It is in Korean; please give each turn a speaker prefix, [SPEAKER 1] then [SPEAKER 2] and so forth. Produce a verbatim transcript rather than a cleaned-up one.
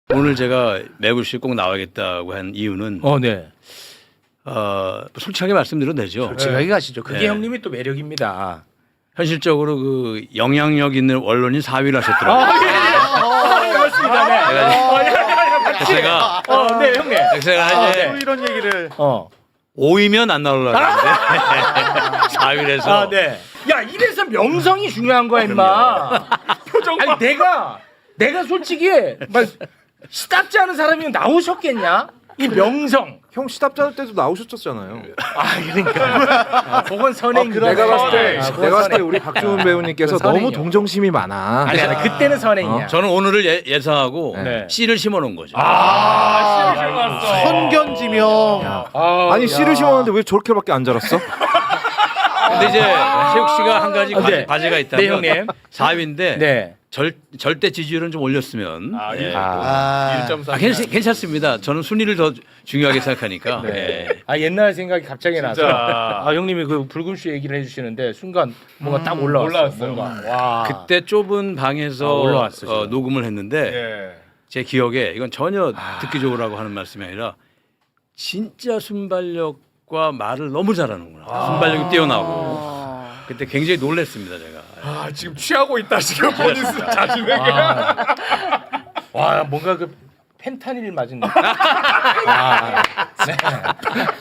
[SPEAKER 1] 오늘 제가 매부시 꼭 나와야겠다고 한 이유는
[SPEAKER 2] 어, 네.
[SPEAKER 1] 어, 솔직하게 말씀드려도 되죠.
[SPEAKER 2] 솔직하게 가시죠. 그게
[SPEAKER 1] 네.
[SPEAKER 2] 형님이 또 매력입니다.
[SPEAKER 1] 현실적으로 그 영향력 있는 언론인 사 위를 하셨더라고요.
[SPEAKER 2] 아, 그렇습니다. 네.
[SPEAKER 1] 그래서 제가
[SPEAKER 2] 어, 네, 형님.
[SPEAKER 1] 제가 이제
[SPEAKER 3] 또 이런 얘기를
[SPEAKER 2] 어.
[SPEAKER 1] 오 위면 안 나오려고 했는데 사 위에서
[SPEAKER 2] 아, 네. 야, 이래서 명성이 중요한 거야, 임마. 표정 아니, 내가 내가 솔직히 막 시답지 않은 사람이 나오셨겠냐? 이 명성.
[SPEAKER 3] 형 시답자 때도 나오셨었잖아요.
[SPEAKER 2] 아, 그러니까. 아, 그건 선행.
[SPEAKER 3] 내가 봤을 때
[SPEAKER 2] 아, 그건
[SPEAKER 3] 내가 봤을 때
[SPEAKER 2] 선행.
[SPEAKER 3] 우리 박주훈 배우님께서
[SPEAKER 2] 그건
[SPEAKER 3] 너무
[SPEAKER 2] 선행이요.
[SPEAKER 3] 동정심이 많아.
[SPEAKER 2] 아니, 아니, 그때는 선행이야.
[SPEAKER 1] 저는 오늘을 예, 예상하고
[SPEAKER 2] 네.
[SPEAKER 1] 씨를 심어놓은 거죠.
[SPEAKER 2] 아, 씨를 심었어.
[SPEAKER 4] 선견지명.
[SPEAKER 2] 아,
[SPEAKER 3] 아니 씨를 심었는데 왜 저렇게밖에 안 자랐어?
[SPEAKER 1] 근데 이제 세욱 씨가 한 가지
[SPEAKER 2] 아,
[SPEAKER 1] 과-
[SPEAKER 2] 네.
[SPEAKER 1] 과제가 있다면
[SPEAKER 2] 네, 형님.
[SPEAKER 1] 사 위인데
[SPEAKER 2] 네.
[SPEAKER 1] 절, 절대 지지율은 좀 올렸으면 예.
[SPEAKER 2] 아,
[SPEAKER 1] 아, 괜찮, 괜찮습니다. 저는 순위를 더 중요하게 생각하니까.
[SPEAKER 2] 네.
[SPEAKER 1] 예.
[SPEAKER 2] 아, 옛날 생각이 갑자기 나서 아, 형님이 그 붉은슈 얘기를 해주시는데 순간 뭔가 딱 올라왔어. 뭔가. 와.
[SPEAKER 1] 그때 좁은 방에서
[SPEAKER 2] 아, 올라왔어,
[SPEAKER 1] 어,
[SPEAKER 2] 지금.
[SPEAKER 1] 녹음을 했는데
[SPEAKER 2] 예.
[SPEAKER 1] 제 기억에 이건 전혀 듣기 좋으라고 하는 말씀이 아니라 진짜 순발력과 말을 너무 잘하는구나. 순발력이 뛰어나고 그때 굉장히 놀랐습니다 제가.
[SPEAKER 4] 아, 지금 취하고 있다 지금 본인 자신에게.
[SPEAKER 2] 와. 와, 뭔가 그 펜타닐 맞은 느낌. 와. 네.